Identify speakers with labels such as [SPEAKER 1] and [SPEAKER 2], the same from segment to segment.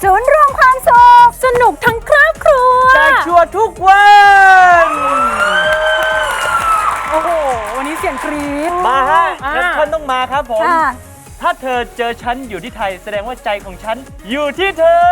[SPEAKER 1] ศูนย์รวมความสุขสนุกทั้งครอบครัว
[SPEAKER 2] แจกชัวร์ทุกวัน
[SPEAKER 3] โอ้โหวันนี้เสียงกรี๊ด
[SPEAKER 2] มาฮะแคปชั่นต้องมาครับผม
[SPEAKER 1] ค่ะ
[SPEAKER 2] ถ้าเธอเจอฉันอยู่ที่ไทยแสดงว่าใจของฉันอยู่ที่เธอ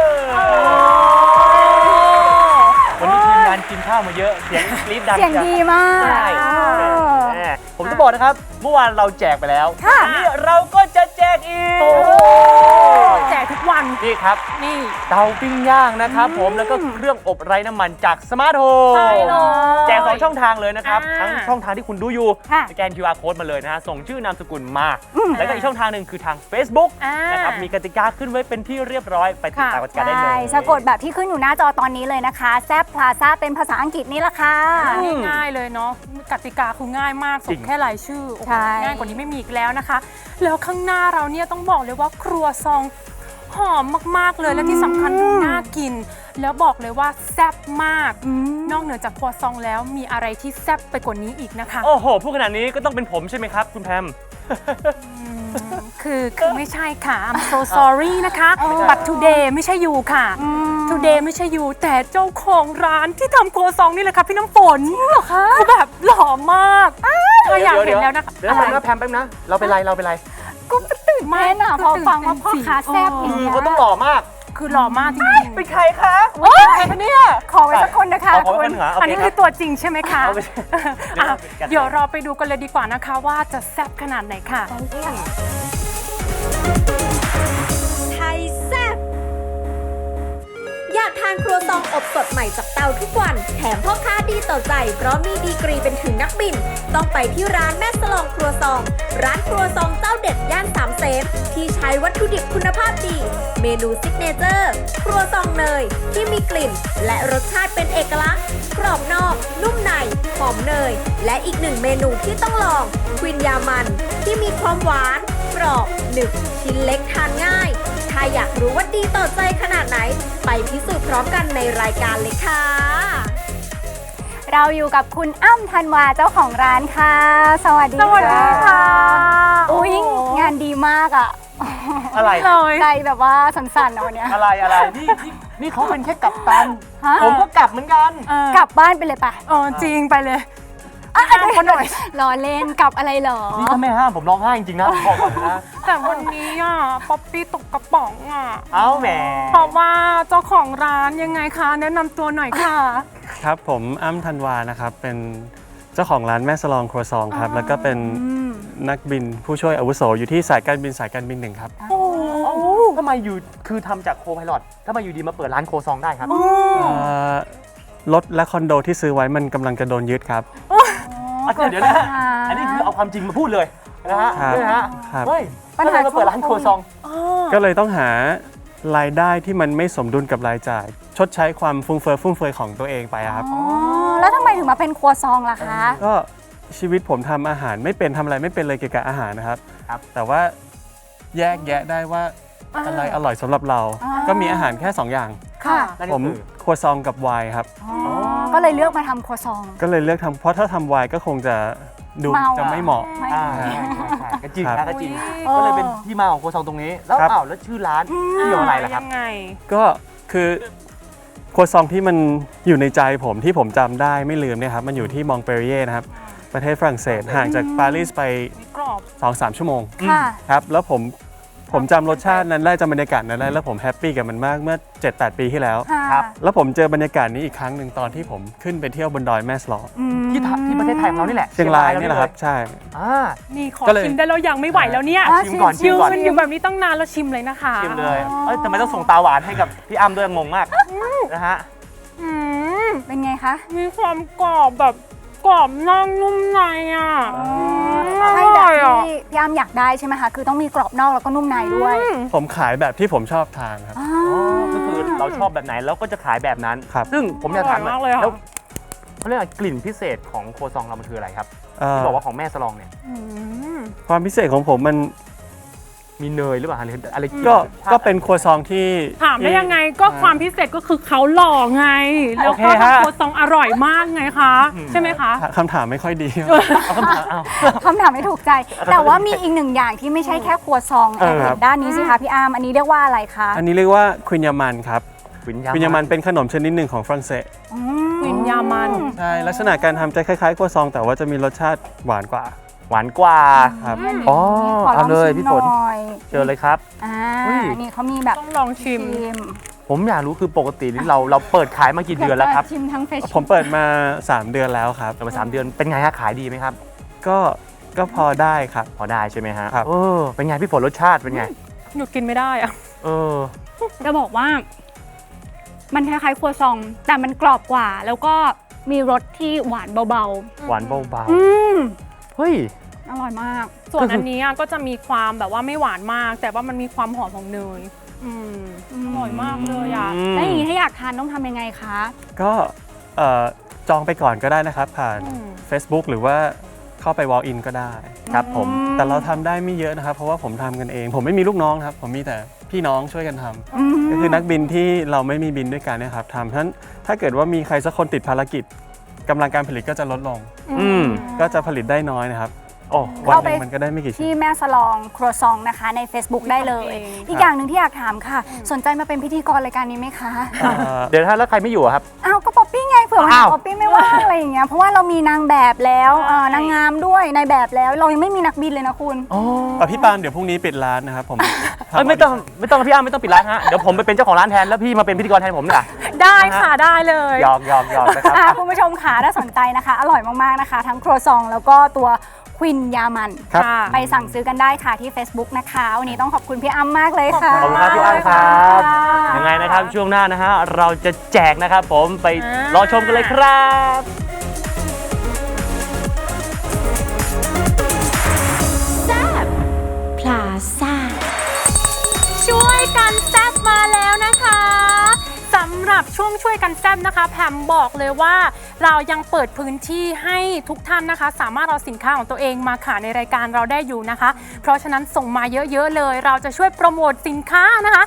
[SPEAKER 2] วันนี้ทีมงานกินข้าวมาเยอะเสียงกรี๊ดดัง
[SPEAKER 1] เสียงดีมาก
[SPEAKER 2] ใช่ผมจะบอกนะครับเมื่อวานเราแจกไปแล้ว
[SPEAKER 1] ค่ะ
[SPEAKER 2] วันนี้เราก็จะแจกอีก
[SPEAKER 3] แจกทุกวัน
[SPEAKER 2] นี่ครับ
[SPEAKER 3] นี่
[SPEAKER 2] เตาปิ้งย่างนะครับผมแล้วก็เครื่องอบไร้น้ำมันจากสมาร์ทโฮม
[SPEAKER 3] ใช่เลย
[SPEAKER 2] แจก2ช่องทางเลยนะครับ
[SPEAKER 3] อ่า
[SPEAKER 2] ทั้งช่องทางที่คุณดูอยู่
[SPEAKER 1] ค่ะ
[SPEAKER 2] สแกน QR Code มาเลยนะฮะส่งชื่อนามสกุลมา แล้วก็อีกช่องทางหนึ่งคือทาง Facebook นะครับมีกติกาขึ้นไว้เป็นที่เรียบร้อยไปติดตามกติกาได้เล
[SPEAKER 1] ใช่
[SPEAKER 2] ย
[SPEAKER 1] สะกดแบบที่ขึ้นอยู่หน้าจอตอนนี้เลยนะคะแซบพลาซ่าเป็นภาษาอังกฤษนี่แหละค่ะ
[SPEAKER 3] ง่ายๆเลยเนาะกติกาคือง่ายมาก
[SPEAKER 2] จริ
[SPEAKER 3] ส่ง
[SPEAKER 2] ง
[SPEAKER 3] แค่รายชื่อโอ้โห
[SPEAKER 1] ใช่
[SPEAKER 3] ง่ายกว่านี้ไม่มีอีกแล้วนะคะ แล้วข้างหน้าเราเนี่ยต้องบอกเลยว่าครัวซองหอมมากๆเลยและที่สำคัญดูน่ากิน แล้วบอกเลยว่าแซ่บมาก นอกเหนือจากครัวซองแล้วมีอะไรที่แซ่บไปกว่านี้อีกนะคะ
[SPEAKER 2] โอ้โหพูดขนาดนี้ก็ต้องเป็นผมใช่ไหมครับคุณแพม
[SPEAKER 3] คือไม่ใช่ค่ะ I'm so sorry นะคะ but today ไม่ใช่ยูค่ะ today ไม่ใช่ยูแต่เจ้าของร้านที่ทำครัวซองนี่แหละค่ะพี่น้ำฝนเหรอคะคือแบบหล่อมากถ้าอยากเห็นแล้วนะคะ
[SPEAKER 2] เดี๋ยวนะแพมแป๊บนะเราเป็นไรเราเป็นไร
[SPEAKER 1] ก็ตื่นเต้นอ่ะพอฟังว่าพ่อค้าแซ่บอย่าง
[SPEAKER 2] คือ
[SPEAKER 1] เงี้ย
[SPEAKER 2] เขาต้องหล่อมาก
[SPEAKER 3] คือหล่อมากจริง
[SPEAKER 2] เป็นใครคะ
[SPEAKER 1] โอ๊ยเนี่ยขอไว้สักคนนะคะ
[SPEAKER 2] เอาขอไว้
[SPEAKER 1] คุณ
[SPEAKER 2] คนหา
[SPEAKER 3] ๆ อันนี้คือตัวจริงใช่ไหมคะ
[SPEAKER 2] เอาไป
[SPEAKER 3] อ่ะเดี๋ยวเราไปดูกันเลยดีกว่านะคะว่าจะแซ่บขนาดไหนค่ะ
[SPEAKER 4] ไทยแซ่บอยากทานครัวซองอบสดใหม่จากเตาทุกวัน แถมพ่อค้าดีต่อใจเพราะมีดีกรีเป็นถึงนักบิน ต้องไปที่ร้านแม่สลองครัวซอง ร้านครัวซองเจ้าเด็ดย่านสามเสนที่ใช้วัตถุดิบคุณภาพดี เมนูซิกเนเจอร์ ครัวซองเนยที่มีกลิ่น และรสชาติเป็นเอกลักษณ์ กรอบนอก นุ่มใน หอมเนย และอีกหนึ่งเมนูที่ต้องลองควินยามัน ที่มีความหวาน กรอบหนึบชิ้นเล็กทานง่าย ถ้าอยากรู้ว่าดีต่อใจขนาดไหน ไปพิสูจน์พร้อมกันในรายการเลยค่ะ
[SPEAKER 1] เราอยู่กับคุณอ้ำธันวาเจ้าของร้านค่ะ สวัสดี
[SPEAKER 3] สวัสดีค่ะ
[SPEAKER 1] อุ้ยงานดีมากอ่ะ
[SPEAKER 2] อะไร
[SPEAKER 3] เลย
[SPEAKER 1] ใจแบบว่าสั่นๆนะวันเนี้ย
[SPEAKER 2] อะไรนี่เขาเป็นแค่กัปตัน
[SPEAKER 1] ฮะ
[SPEAKER 2] ผมก็กลับเหมือนกัน
[SPEAKER 1] กลับบ้านไปเลยปะ
[SPEAKER 3] จริงไปเลย
[SPEAKER 1] อ่ะ
[SPEAKER 3] ห้ามเขาหน่อย
[SPEAKER 1] รอเล่นกลับอะไรเหรอ
[SPEAKER 2] นี่ถ้าไม่ห้ามผมร้องไห้จริงๆนะผมบอกก่อนนะ
[SPEAKER 3] แต่วันนี้อ่ะป๊อปปี้ตกกระป๋องอ่ะ
[SPEAKER 2] เอาแหม
[SPEAKER 3] เพราะว่าเจ้าของร้านยังไงคะ แนะนำตัวหน่อยค่ะ
[SPEAKER 5] ครับผมอ้ำธันวานะครับเป็นเจ้าของร้านแม่สลองครัวซองครับแล้วก็เป็นนักบินผู้ช่วยอาวุโสอยู่ที่สายการบินหนึ่งครับ
[SPEAKER 2] ทำไมอยู่คือทำจากโคไพลอตทำไมอยู่ดีมาเปิดร้านโคซองได้ครับ
[SPEAKER 5] รถและคอนโดที่ซื้อไว้มันกำลังจะโดนยึดครับ
[SPEAKER 2] เดี๋ยวนะฮะอันนี้คือเอาความจริงมาพูดเลยนะฮะ
[SPEAKER 5] ครับ
[SPEAKER 2] นี่นะฮะ
[SPEAKER 5] ครับ
[SPEAKER 2] เฮ้ยก็เลยมาเปิดร้านโคซอง
[SPEAKER 5] ก็เลยต้องหารายได้ที่มันไม่สมดุลกับรายจ่าย ชดใช้ความฟุ่มเฟือยของตัวเองไปอะครับ
[SPEAKER 1] อ๋อ แล้วทำไมถึงมาเป็นครัวซองล่ะคะ
[SPEAKER 5] ก็ชีวิตผมทำอาหารไม่เป็นทำอะไรไม่เป็นเลยเกี่ยวกับอาหารนะครับ
[SPEAKER 2] ครับ
[SPEAKER 5] แต่ว่าแยกแยะได้ว่าอะไรอร่อยสำหรับเรา ก็มีอาหารแค่ 2 อย่าง
[SPEAKER 1] ค่ะ
[SPEAKER 2] นั่น
[SPEAKER 5] ผ
[SPEAKER 2] ก็
[SPEAKER 5] ม
[SPEAKER 2] คือ
[SPEAKER 5] ครัวซองกับไวน์ครับ
[SPEAKER 1] อ๋อ ก็เลยเลือกมาทำครัวซอง
[SPEAKER 5] ก็เลยเลือกทำเพราะถ้าทำไวน์ก็คงจะดู
[SPEAKER 1] เมา
[SPEAKER 5] จะไม่เหมาะ
[SPEAKER 1] ไม่
[SPEAKER 2] ใช่ก็จริง
[SPEAKER 5] ครั
[SPEAKER 2] นะ
[SPEAKER 5] บ
[SPEAKER 2] ก็จริง
[SPEAKER 1] อ๋อ
[SPEAKER 2] ก็เลยเป็นที่มาของโคซองตรงนี้ แล้ว
[SPEAKER 5] ครับ
[SPEAKER 2] แล้วชื่อร้านเกี่ยวอะไรล่ะครับ
[SPEAKER 3] ยังไง
[SPEAKER 5] ก็คือครัวซองที่มันอยู่ในใจผมที่ผมจำได้ไม่ลืมเนี่ยครับมันอยู่ที่มองเปรีเย่นะครับประเทศฝรั่งเศสห่างจากปารีสไป
[SPEAKER 3] มีกรอบ
[SPEAKER 5] 2-3 ชั่วโมง
[SPEAKER 1] ค่ะ
[SPEAKER 5] ครับแล้วผมจำรสชาตินั้นได้จำบรรยากาศนั้นได้แล้วผมแฮปปี้กับมันมากเมื่อ 7-8 ปีที่แล้ว
[SPEAKER 1] ค่ะ
[SPEAKER 2] ครับ
[SPEAKER 5] แล้วผมเจอบรรยากาศนี้อีกครั้งหนึ่งตอนที่ผมขึ้นไปเที่ยวบนดอยแม่สลอ
[SPEAKER 2] ที่ประเทศไทยของเรานี่แหละ
[SPEAKER 5] เชียงรายนี่แหละครับใช่
[SPEAKER 2] อ่า
[SPEAKER 3] นี่ขอ
[SPEAKER 5] ก็เลย
[SPEAKER 3] ชิมได้แล้วยังไม่ไหวแล้วเนี่ย
[SPEAKER 1] อ่ะ
[SPEAKER 2] ชิมก่อนชิ
[SPEAKER 3] ยื
[SPEAKER 2] มก่อน
[SPEAKER 3] นอยู่แบบนี้ตั้งนานแล้วชิมเลยนะคะ
[SPEAKER 2] ชิมเลยทำไมต้องส่งตาหวานให้กับพี่อ้ำด้วยงงมากนะฮะ
[SPEAKER 3] อืม
[SPEAKER 1] เป็นไงคะ
[SPEAKER 3] มีความกรอบแบบกรอบนอกนุ่มในอ่ะ
[SPEAKER 1] ใช่แบบ
[SPEAKER 3] อ่ะ
[SPEAKER 1] ที่พี่อ้ำอยากได้ใช่ไหมคะ คือต้องมีกรอบนอกแล้วก็นุ่มในด้วย
[SPEAKER 5] ผมขายแบบที่ผมชอบทานครับ
[SPEAKER 1] อ๋อ
[SPEAKER 2] ก็คือเราชอบแบบไหนเราก็จะขายแบบนั้น
[SPEAKER 5] ครับ
[SPEAKER 2] ซึ่งผมอยากถาม
[SPEAKER 3] อร่อยมากเลยอะ
[SPEAKER 2] แล้วเขาเรียกว่ากลิ่นพิเศษของโคซองเรามันคืออะไรครับ
[SPEAKER 5] เอ่อ
[SPEAKER 2] ที่บอกว่าของแม่สลองเนี่ย
[SPEAKER 3] อืม
[SPEAKER 5] ความพิเศษของผมมัน
[SPEAKER 2] มีเนยหรือเปล่าหรืออะไร
[SPEAKER 5] ก็เป็นครัวซองที่
[SPEAKER 3] ถามได้ยังไงก็ความพิเศษก็คือเขาหล่อไง แล้วก็ทำครัวซองอร่อยมากไงคะ ใช่ไหมคะ
[SPEAKER 5] คำถามไม่ค่อยดี
[SPEAKER 2] เอาคำถามเอา
[SPEAKER 1] คำถามไม่ถูกใจ แต่ว่ามีอีกหนึ่งอย่างที่ไม่ใช่แค่ครัวซองแอบเห็นด้านนี้สิคะพี่อาร์มอันนี้เรียกว่าอะไรคะ
[SPEAKER 5] อันนี้เรียกว่าควินยามันครับ
[SPEAKER 2] วิญ
[SPEAKER 5] ควินยามันเป็นขนมชนิดหนึ่งของฝรั่งเศส
[SPEAKER 3] วิญญามัน
[SPEAKER 5] ใช่ลักษณะการทำจะคล้ายๆครัวซอง แต่ว่าจะมีรสชาติหวานกว่า
[SPEAKER 2] หวานกว่า
[SPEAKER 5] ครับ
[SPEAKER 2] อ๋อ
[SPEAKER 1] ขอล
[SPEAKER 2] เอา
[SPEAKER 1] อง
[SPEAKER 2] เลย
[SPEAKER 1] ชิม
[SPEAKER 2] พี่
[SPEAKER 1] ห
[SPEAKER 2] ฝน
[SPEAKER 1] น่อย
[SPEAKER 2] เชิญเลยครับ อุ้ย
[SPEAKER 1] นี่เขามีแบบ
[SPEAKER 3] ต้องลองชิม
[SPEAKER 2] ผมอยากรู้คือปกตินี่เราเปิดขายมากี่เดือนแล้วครับ
[SPEAKER 1] ชิมทั้งเฟช
[SPEAKER 5] ผมเปิดมา 3 เดือนแล้วครับ
[SPEAKER 2] เปิดมา3 เดือนเป็นไงฮะขายดีไหมครับ
[SPEAKER 5] ก็พอได้ครับ
[SPEAKER 2] พอได้ใช่ไหมฮะ
[SPEAKER 5] ครับ
[SPEAKER 2] เป็นไงพี่ฝนรสชาติเป็นไง
[SPEAKER 3] หยุดกินไม่ได้อะ
[SPEAKER 2] เออ
[SPEAKER 1] จะบอกว่า มันคล้ายๆครัวซอง แต่มันกรอบกว่า แล้วก็มีรสที่หวานเบา
[SPEAKER 2] หวานเบา
[SPEAKER 1] ๆ
[SPEAKER 2] ๆเฮ้ย
[SPEAKER 1] อร่อยมาก
[SPEAKER 3] ส่วนอันนี้ก็จะมีความแบบว่าไม่หวานมาก แต่ว่ามันมีความหอมของเนยอร่อยมากเลยอ่ะ
[SPEAKER 1] แล้วอย่างนี้ถ้าอยากทานต้องทำยังไงคะ
[SPEAKER 5] ก็จองไปก่อนก็ได้นะครับ ผ่าน
[SPEAKER 3] อืม
[SPEAKER 5] Facebook หรือว่าเข้าไป walk in ก็ได้
[SPEAKER 2] ครับผม
[SPEAKER 5] แต่เราทำได้ไม่เยอะนะครับ เพราะว่าผมทำกันเอง ผมไม่มีลูกน้องนะครับ ผมมีแต่พี่น้องช่วยกันทำก็คือนักบินที่เราไม่มีบินด้วยกันเนะครับทำเพราะฉะนั้นถ้าเกิดว่ามีใครสักคนติดภารกิจกำลังการผลิตก็จะลดลง
[SPEAKER 2] อืม
[SPEAKER 5] ก็จะผลิตได้น้อยนะครับ
[SPEAKER 2] โอ้
[SPEAKER 5] วัน
[SPEAKER 1] เข้า
[SPEAKER 5] ห
[SPEAKER 1] ไป
[SPEAKER 5] นึ่งมันก็ได้ไม่กี่ชิ้น
[SPEAKER 1] ที่แม่สลองครัวซองนะคะใน Facebook ได้เลย
[SPEAKER 3] ทำเอง
[SPEAKER 1] อีกอย่างหนึ่งที่อยากถามค่ะ สนใจมาเป็นพิธีกรรายการนี้ไหมคะ
[SPEAKER 2] เดี๋ยวถ้าแล้วใครไม่อยู่อะครับ
[SPEAKER 1] อ้าวก็ป๊อปปี้ไงเผื่อวันไหน
[SPEAKER 2] อ้าว
[SPEAKER 1] ป๊อปปี้ไม่ว่างอะไรอย่างเงี้ยเพราะว่าเรามีนางแบบแล้วนางงามด้วยนายแบบแล้วเรายังไม่มีนักบินเลยนะคุณ
[SPEAKER 5] พี่ปาล์มเดี๋ยวพรุ่งนี้ปิดร้านนะครับผม
[SPEAKER 2] เอ้ยไม่ต้องพี่อ้ำไม่ต้องปิดร้านฮะ เดี๋ยวผมไปเป็นเจ้าของร้านแทนแล้วพี่มาเป็นพิธีกรแทนผมดีกว่า
[SPEAKER 3] ได้ค่ะได้เลย
[SPEAKER 2] หยอกนะครับ
[SPEAKER 1] คุณผู้ชมค่ะถ้าสนใจนะคะ อร่อยมาก ๆ นะคะ ทั้งครัวซองแล้วก็ตัวควินยามัน
[SPEAKER 5] ครับ
[SPEAKER 3] ค่ะ
[SPEAKER 1] ไปสั่งซื้อกันได้ค่ะที่ Facebook นะคะ วันนี้ต้องขอบคุณพี่อ้ำมากเลยค่ะ
[SPEAKER 2] ขอบคุณครับพี่อ้ำครับ ยังไงนะครับช่วงหน้านะฮะเราจะแจกนะครับผมไปรอชมกันเลยครับ
[SPEAKER 4] พลาซ่า
[SPEAKER 3] ช่วยกันแซ่บมาแล้วนะคะสำหรับช่วยกันแซ่บนะคะแพมบอกเลยว่าเรายังเปิดพื้นที่ให้ทุกท่านนะคะ สามารถเอาสินค้าของตัวเองมาขายในรายการเราได้อยู่นะคะ เพราะฉะนั้นส่งมาเยอะๆเลย เราจะช่วยโปรโมทสินค้านะคะ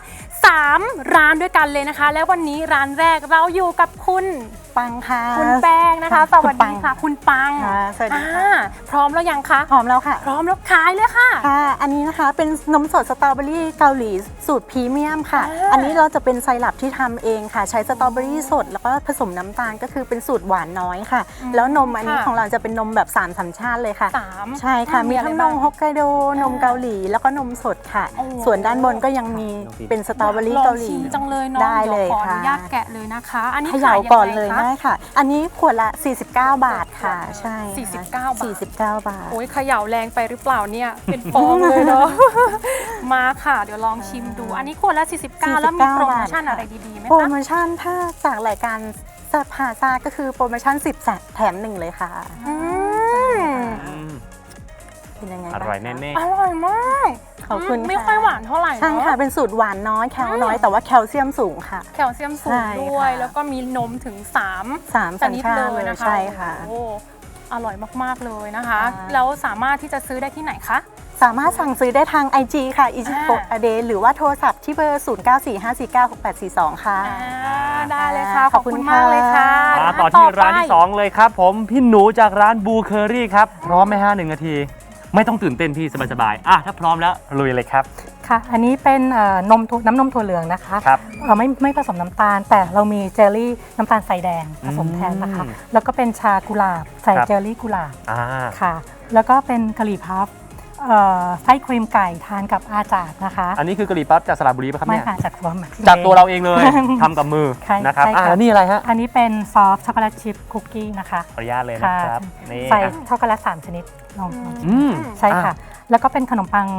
[SPEAKER 3] 3 ร้านด้วยกันเลยนะคะ และวันนี้ร้านแรกเราอยู่กับคุณ
[SPEAKER 6] ปังค่ะ
[SPEAKER 3] คุณแป้งนะคะสวัสดีค่ะ คุณปัง
[SPEAKER 6] ค่ะสวัสดีค่ะ
[SPEAKER 3] พร้อมแล้วยังคะ
[SPEAKER 6] หอมแล้วค่ะ
[SPEAKER 3] พร้อมแล้วขายเลยค่ะ
[SPEAKER 6] ค่ะ อันนี้นะคะเป็นนมสดสตรอเบอรี่เกาหลีสูตรพรีเมียมค่ะ
[SPEAKER 3] อ่า
[SPEAKER 6] อันนี้เราจะเป็นไซรัปที่ทำเองค่ะ ใช้สตรอเบอรี่สด แล้วก็ผสมน้ำตาลก็คือเป็นสูตรหวานน้อยค่ะ แล้วนมอันนี้ของเราจะเป็นนมแบบ3 สัญชาติเลยค่ะ
[SPEAKER 3] 3
[SPEAKER 6] ใช่ค่ะ มีทั้งนมฮอกไกโด นมเกาหลี แล้วก็นมสดค่ะ
[SPEAKER 3] โอ้
[SPEAKER 6] ส่วนด้านบนก็ยังมีเป็นสตรอเบอรี่เกาหลี
[SPEAKER 3] ลองชิมจังเลยเนาะ
[SPEAKER 6] ได้เลย
[SPEAKER 3] ดี๋วขออ
[SPEAKER 6] ค่ะ
[SPEAKER 3] นุญาตแกะเลยนะคะ อันนี้
[SPEAKER 6] เขย่า
[SPEAKER 3] ขายยัง
[SPEAKER 6] ก่อน
[SPEAKER 3] ไง
[SPEAKER 6] เลย
[SPEAKER 3] คะ
[SPEAKER 6] ได้ค่ะ อันนี้ขวดละ 49 บาทค่ะ ใช่
[SPEAKER 3] 49
[SPEAKER 6] ค่ะ
[SPEAKER 3] บาท
[SPEAKER 6] 49 บาท
[SPEAKER 3] โอ้ยเขย่าแรงไปหรือเปล่าเนี่ย เป็นฟองเลยเนาะ มาค่ะ เดี๋ยวลองชิมดู อันนี้ขวดละ49 แล้วมีโปรโมชั่นอะไรดีๆไหม
[SPEAKER 6] โปร
[SPEAKER 3] คะ
[SPEAKER 6] โมชั่นถ้าจากรายการแซ่บพาซาก็คือโปรโมชั่น10 แถม 1 เลยค่ะ
[SPEAKER 3] อืม
[SPEAKER 6] เป็นยังไง
[SPEAKER 2] อ
[SPEAKER 6] บ้าง
[SPEAKER 2] ร่อย
[SPEAKER 6] คะ
[SPEAKER 2] แน่
[SPEAKER 3] อร่อยมาก
[SPEAKER 6] ขอบคุณ
[SPEAKER 3] ไม่
[SPEAKER 6] ค่ะ
[SPEAKER 3] ค่อยหวานเท่าไหร่
[SPEAKER 6] ใช่
[SPEAKER 3] เนาะ
[SPEAKER 6] ค่ะ เป็นสูตรหวานน้อยแคลน้อยแต่ว่าแคลเซียมสูงค่ะ
[SPEAKER 3] แคลเซียมสูง
[SPEAKER 6] ใช่
[SPEAKER 3] ด้วย
[SPEAKER 6] ค่ะ
[SPEAKER 3] แล้วก็มีนมถึง3
[SPEAKER 6] 3
[SPEAKER 3] ช
[SPEAKER 6] สัญ
[SPEAKER 3] นิด
[SPEAKER 6] ชา
[SPEAKER 3] เล
[SPEAKER 6] ติเลย ย
[SPEAKER 3] นะคะ
[SPEAKER 6] ใช่ค่ะ
[SPEAKER 3] โอ้อร่อยมากๆเลยนะคะ
[SPEAKER 6] ค่ะ
[SPEAKER 3] แล้วสามารถที่จะซื้อได้ที่ไหนคะ
[SPEAKER 6] สามารถสั่งซื้อได้ทาง IG ค่ะ i j i p o a d e หรือว่าโทรศัพท์ที่เบอร์ 0945496842 ค่ะ
[SPEAKER 3] ได้เลยค่ะ ข
[SPEAKER 6] ข
[SPEAKER 3] อ
[SPEAKER 6] อ
[SPEAKER 3] บบ
[SPEAKER 6] คุ
[SPEAKER 3] คุณ
[SPEAKER 6] ณ
[SPEAKER 3] มากเลยค่ะ
[SPEAKER 6] ค่ะ
[SPEAKER 2] ๆมาต่อที่ร้านที่ 2 เลยครับผมพี่หนูจากร้านบูเคอรี่ครับ พร้อมไหมฮะ1 นาที ไม่ต้องตื่นเต้นพี่สบายๆถ้าพร้อมแล้วลุยเลยครับ
[SPEAKER 7] ค่ะ อันนี้เป็นน้ำนมถั่วเหลืองนะคะ
[SPEAKER 2] ครับ
[SPEAKER 7] ไม่ผสมน้ำตาล แต่เรามีเจลลี่น้ำตาลใส่แดงผสมแทนนะคะ แล้วก็เป็นชากุหลาบใส่
[SPEAKER 2] ครับ
[SPEAKER 7] เจลลี่กุหลาบ
[SPEAKER 2] อ่า
[SPEAKER 7] ค่ะ แล้วก็เป็นกะหรี่พับไส้ครีมไก่ทานกับอาจาดนะคะ
[SPEAKER 2] อันนี้คือกะหรี่ปั๊บจากสระบุรีป่ะครับ
[SPEAKER 7] ไม่
[SPEAKER 2] เนี่ย
[SPEAKER 7] ค่ะจากตัวหมัก
[SPEAKER 2] จากตัวเราเองเลย ทำกับมือ
[SPEAKER 7] ใช่
[SPEAKER 2] นะครับ
[SPEAKER 7] ใช่ค่ะ
[SPEAKER 2] แล้วนี่อะไรฮะ
[SPEAKER 7] อันนี้เป็นซอฟต์ช็อกโกแลตชิพคุกกี้นะคะ
[SPEAKER 2] ขออนุญาตเลยนะครับนี่
[SPEAKER 7] ใส่ช็อกโกแลต3 ชนิดลองชิม
[SPEAKER 2] อืม
[SPEAKER 7] ใช่ค่ะ แล้วก็เป็นขนมปัง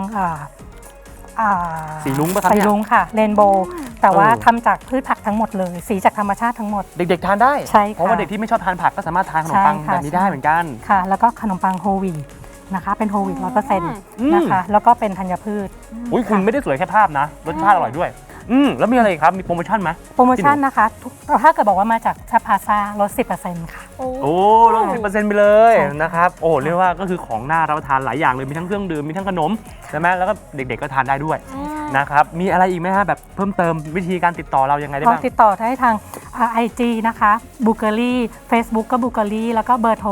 [SPEAKER 2] สีลุ้งป่ะครับ
[SPEAKER 7] สี
[SPEAKER 2] เนี่ย
[SPEAKER 7] ลุ้งค่ะเรนโบว์แต่ว่า
[SPEAKER 2] เออ
[SPEAKER 7] ทำจากพืชผักทั้งหมดเลย สีจากธรรมชาติทั้งหมด
[SPEAKER 2] เด็กๆทานได้
[SPEAKER 7] ใช่ค่ะ
[SPEAKER 2] เพราะว่าเด็กที่ไม่ชอบทานผักก็สามารถทานขนมปัง
[SPEAKER 7] ใช่ค่ะ
[SPEAKER 2] แบบนี้ได้เหมือนกัน
[SPEAKER 7] ค่ะ แล้วก็ขนมปังโฮลวีตนะคะ เป็นโฮลวีต100%
[SPEAKER 2] อืม
[SPEAKER 7] นะคะ แล้วก็เป็นธัญพืช
[SPEAKER 2] อุ้ยคุณไม่ได้สวยแค่ภาพนะรสชาติอร่อยด้วยแล้วมีอะไรอีกครับ มีโปรโมชั่นไหม
[SPEAKER 7] โปรโมชั่นนะคะถ้าเกิดบอกว่ามาจากชาพาซาลด 10% ค่ะ
[SPEAKER 2] โอ้ลด 10% ไปเลย
[SPEAKER 7] ใช่ค่ะ
[SPEAKER 2] นะครับ โอ้เรียกว่าก็คือของน่ารับประทานหลายอย่างเลย มีทั้งเครื่องดื่ม มีทั้งขนมใช่ไหมแล้วก็เด็กๆก็ทานได้ด้วยนะครับ มีอะไรอีกไหมฮะแบบเพิ่มเติมวิธีการติดต่อเรายังไงได้บ้าง
[SPEAKER 7] ติดต่อได้ทาง IG นะคะบูเกอรี่ Facebook ก็บูเกอรี่แล้วก็เบอร์โทร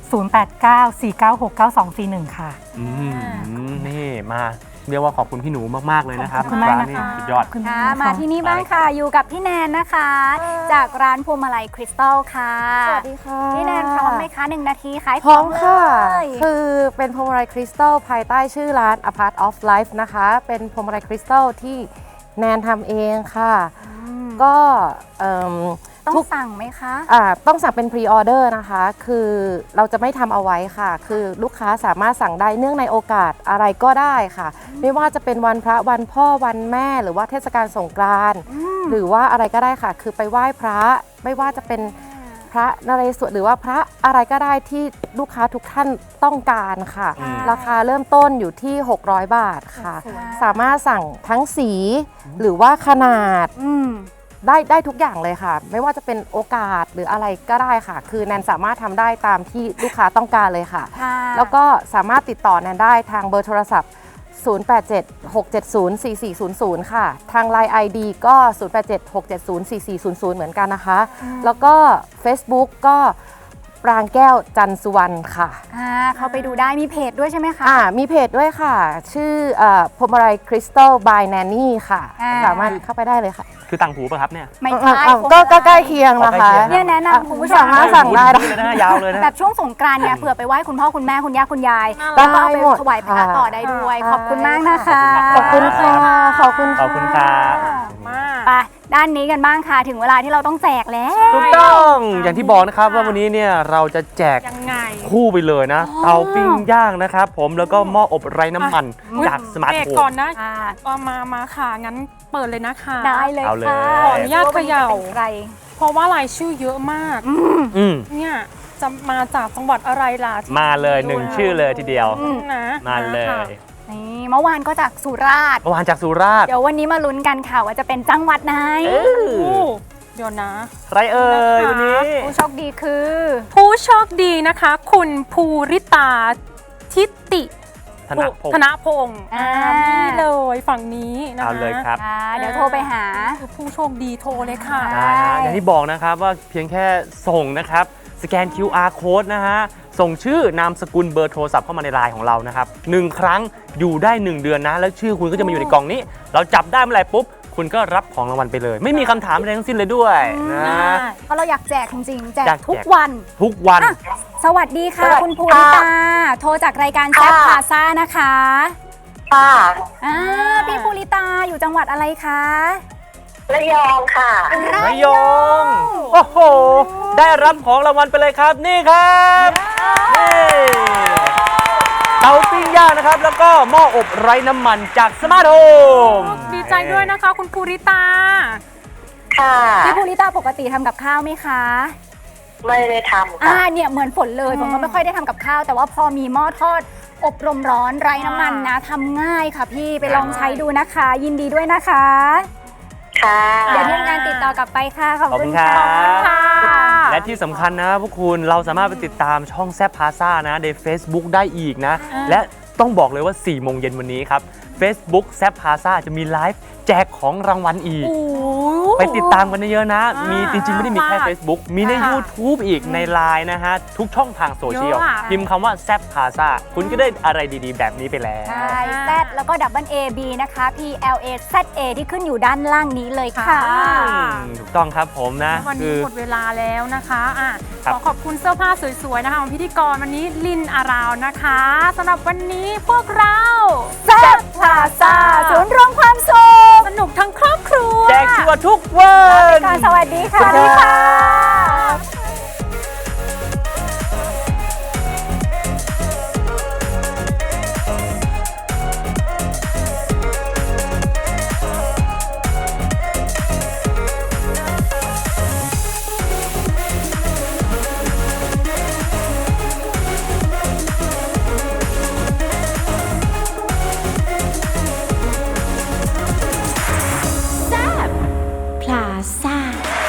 [SPEAKER 7] 0894969241 ค่ะ
[SPEAKER 2] นี่มาเรียกว่าขอบคุณพี่หนูมากๆเลยนะครับ
[SPEAKER 7] ขอบคุณมาก
[SPEAKER 2] ร้านนี้
[SPEAKER 7] นะคะ
[SPEAKER 2] สุดยอด
[SPEAKER 7] คุณ
[SPEAKER 1] ค่ะ
[SPEAKER 7] ค่ะ
[SPEAKER 1] มาที่นี่บ้างค่ะ อยู่กับพี่แนนนะคะ จากร้านพวงมาลัยคริสตัลค่ะ
[SPEAKER 8] สวัสดีค่ะ
[SPEAKER 1] พี่แนนพร้อมไหมคะ1 นาทีขายข
[SPEAKER 8] พร้
[SPEAKER 1] อ
[SPEAKER 8] อง ม
[SPEAKER 1] เล
[SPEAKER 8] ค่ะ
[SPEAKER 1] ย
[SPEAKER 8] คือเป็นพวงมาลัยคริสตัลภายใต้ชื่อร้าน A Part of Life นะคะ เป็นพวงมาลัยคริสตัลที่แนนทำเองค่ะก็
[SPEAKER 1] ต้องสั่งไหมคะ
[SPEAKER 8] ต้องสั่งเป็นพรีออเดอร์นะคะ คือเราจะไม่ทำเอาไว้ค่ะ คือลูกค้าสามารถสั่งได้เนื่องในโอกาสอะไรก็ได้ค่ะ ไม่ว่าจะเป็นวันพระวันพ่อวันแม่หรือว่าเทศกาลสงกรานต์หรือว่าอะไรก็ได้ค่ะ คือไปไหว้พระไม่ว่าจะเป็นพระนเรศวรหรือว่าพระอะไรก็ได้ที่ลูกค้าทุกท่านต้องการค่ะ ราคาเริ่มต้นอยู่ที่600 บาทค่ะ สามารถสั่งทั้งสีหรือว่าขนาดได้ทุกอย่างเลยค่ะ ไม่ว่าจะเป็นโอกาสหรืออะไรก็ได้ค่ะ คือแนนสามารถทำได้ตามที่ลูกค้าต้องการเลยค่ะ แล้วก็สามารถติดต่อแนนได้ทางเบอร์โทรศัพท์ 0876704400 ค่ะ ทาง Line ID ก็ 0876704400 เหมือนกันนะคะ แล้วก็ Facebook ก็ปรางแก้วจันทร์สุวรรณค่ะ
[SPEAKER 1] เข้าไปดูได้มีเพจด้วยใช่ไหมคะ
[SPEAKER 8] มีเพจด้วยค่ะ ชื่อพวงมาลัยคริสตัลบายแนนนี่ค่ะ สามารถเข้าไปได้เลยค่ะ
[SPEAKER 2] คือต่างหูป่ะครับเนี่ย
[SPEAKER 1] ไม่ใช่
[SPEAKER 8] ก็ใกล้เคียงนะคะ
[SPEAKER 1] เนี่ยแนะนำคุณผู้ชม
[SPEAKER 8] สามารถสั่งได้
[SPEAKER 2] เลยนะยาวเลยนะ
[SPEAKER 1] แบบช่วงสงกรานต์เนี่ยเผื่อไปไหว้คุณพ่อคุณแม่คุณย่าคุณยาย
[SPEAKER 8] ได้
[SPEAKER 1] แล้วก็เอาไป
[SPEAKER 8] หมด
[SPEAKER 1] ถวายพระ
[SPEAKER 8] ค่ะ
[SPEAKER 1] ต่อได้ด้วย ขอบคุณมากนะคะ
[SPEAKER 8] ขอบคุณค่ะ ขอบคุณ
[SPEAKER 2] ขอบคุณครับ
[SPEAKER 1] ไปด้านนี้กันบ้างค่ะ ถึงเวลาที่เราต้องแจกแล้ว
[SPEAKER 2] ถูกต้องอย่างที่บอกนะครับว่าวันนี้เนี่ยเราจะแจก
[SPEAKER 3] ยังไง
[SPEAKER 2] คู่ไปเลยนะ เตาปิ้งย่างนะครับผมแล้วก็หม้ออบไร้น้ำมันจากสมาร์ท
[SPEAKER 3] เบรก
[SPEAKER 2] โฮ
[SPEAKER 3] ก่อ
[SPEAKER 2] ม
[SPEAKER 3] นนะมาค่ะ งั้นเปิดเลยนะคะ
[SPEAKER 1] ได้เลย
[SPEAKER 2] เอาเลย
[SPEAKER 1] ค่ะ
[SPEAKER 3] ขออนุญาตเขย่า
[SPEAKER 1] ใคร
[SPEAKER 3] เพราะว่ารายชื่อเยอะมาก เนี่ยจะมาจากจังหวัดอะไรล่ะที่
[SPEAKER 2] มาเลยหนึ่งชื่อเลยทีเดียว
[SPEAKER 3] นะ
[SPEAKER 2] มาเลย
[SPEAKER 3] ค่ะ
[SPEAKER 1] นี่เมื่อวานก็จากสุราษฎร์
[SPEAKER 2] เมื่อวานจากสุราษฎร์
[SPEAKER 1] เดี๋ยววันนี้มาลุ้นกันค่ะว่าจะเป็นจังหวัดไหน
[SPEAKER 3] โอ้เดี๋ยวนะ
[SPEAKER 2] ใครเอ่ยวันนี้
[SPEAKER 1] ผู้โชคดีคือ
[SPEAKER 3] ผู้โชคดีนะคะ คุณภูริตาทิติ
[SPEAKER 2] ธนพงศ์
[SPEAKER 3] ธนพงศ์นี่เลยฝั่งนี้นะคะ
[SPEAKER 2] เอาเลยครับ
[SPEAKER 1] เดี๋ยวโทรไปหา
[SPEAKER 3] ผู้โชคดีโทรเลยค่ะ
[SPEAKER 2] ได้ฮะอย่างที่บอกนะครับว่าเพียงแค่ส่งนะครับสแกน QR code นะฮะส่งชื่อนามสกุลเบอร์โทรศัพท์เข้ามาในไลน์ของเรานะครับ1 ครั้งอยู่ได้ 1 เดือนนะ แล้วชื่อคุณก็จะมาอยู่ในกล่องนี้ เราจับได้เมื่อไหร่ปุ๊บ คุณก็รับของรางวัลไปเลย ไม่มีคำถามอะไรทั้งสิ้นเลยด้วยนะ
[SPEAKER 1] เพราะเราอยากแจกจริงๆ แจก
[SPEAKER 2] อยากแจก
[SPEAKER 1] ทุกวัน
[SPEAKER 2] ทุกวัน
[SPEAKER 1] สวัสดีค่ะ คุณภูริตา โทรจากรายการแซ่บพาซ่านะคะพี่ภูริตาอยู่จังหวัดอะไรคะ
[SPEAKER 9] ระยองค่ะ
[SPEAKER 2] ระยองโอ้โห ได้รับของรางวัลไปเลยครับ นี่ครับนี่เตาปิ้งย่างนะครับ แล้วก็หม้ออบไร้น้ำมันจากสมาร์ทโฮม
[SPEAKER 3] ดีใจด้วยนะคะ คุณภูริตา
[SPEAKER 9] ค่ะ
[SPEAKER 1] พี่ภูริตาปกติทำกับข้าวไหมคะ
[SPEAKER 9] ไม่ได้ทำค่ะ
[SPEAKER 1] เนี่ยเหมือนฝนเลยผมก็ไม่ค่อยได้ทำกับข้าว แต่ว่าพอมีหม้อทอดอบลมร้อนไร้น้ำมันนะทำง่ายค่ะพี่ไปลองใช้ดูนะคะ ยินดีด้วยนะคะ
[SPEAKER 9] ค่ะ
[SPEAKER 1] เดี๋ยวทีมงานติดต่อกลับไปค่ะ ขอบคุณ
[SPEAKER 2] ขอบคุณ
[SPEAKER 1] ค่ะ
[SPEAKER 2] ค่ะ และที่สำคัญนะพวกคุณเราสามารถไปติดตามช่องแซบพาซ่านะใน Facebook ได้อีกนะ และต้องบอกเลยว่า 4 โมงเย็นวันนี้ครับ Facebook แซบพาซ่าจะมีไลฟ์แจกของรางวัลอีก ไปติดตามกันเยอะๆนะ มีจริงๆ ไม่ได้มีแค่ Facebook มีใน YouTube อีกใน Line นะฮะ ทุกช่องทางโซเชียล
[SPEAKER 3] เยอะอะ
[SPEAKER 2] พิมพ์คำว่าแซบพาซ่าคุณก็ได้อะไรดีๆ แบบนี้ไปแล้ว
[SPEAKER 1] ใช่แซดแล้วก็ดับเบิลเอบีนะคะ PLAZA ที่ขึ้นอยู่ด้านล่างนี้เลยค่ะ
[SPEAKER 2] ถูกต้องครับผมนะ
[SPEAKER 3] วัน
[SPEAKER 2] คื
[SPEAKER 3] นี้
[SPEAKER 2] อ
[SPEAKER 3] หมดเวลาแล้วนะคะ
[SPEAKER 2] ครับ
[SPEAKER 3] ขอขอบคุณเสื้อผ้าสวยๆนะคะของพิธีกรวันนี้ลินอาราวนะคะสำหรับวันนี้พวกเรา
[SPEAKER 1] แซ่บพาซ่าศูนย์รวมความสุข
[SPEAKER 3] สนุกทั้งครอบครัว
[SPEAKER 2] แจกชัวร์ทุกวัน
[SPEAKER 1] ก่อนสวัสดีค่ะ
[SPEAKER 2] สวัสดีค่ะ
[SPEAKER 4] แซ่บ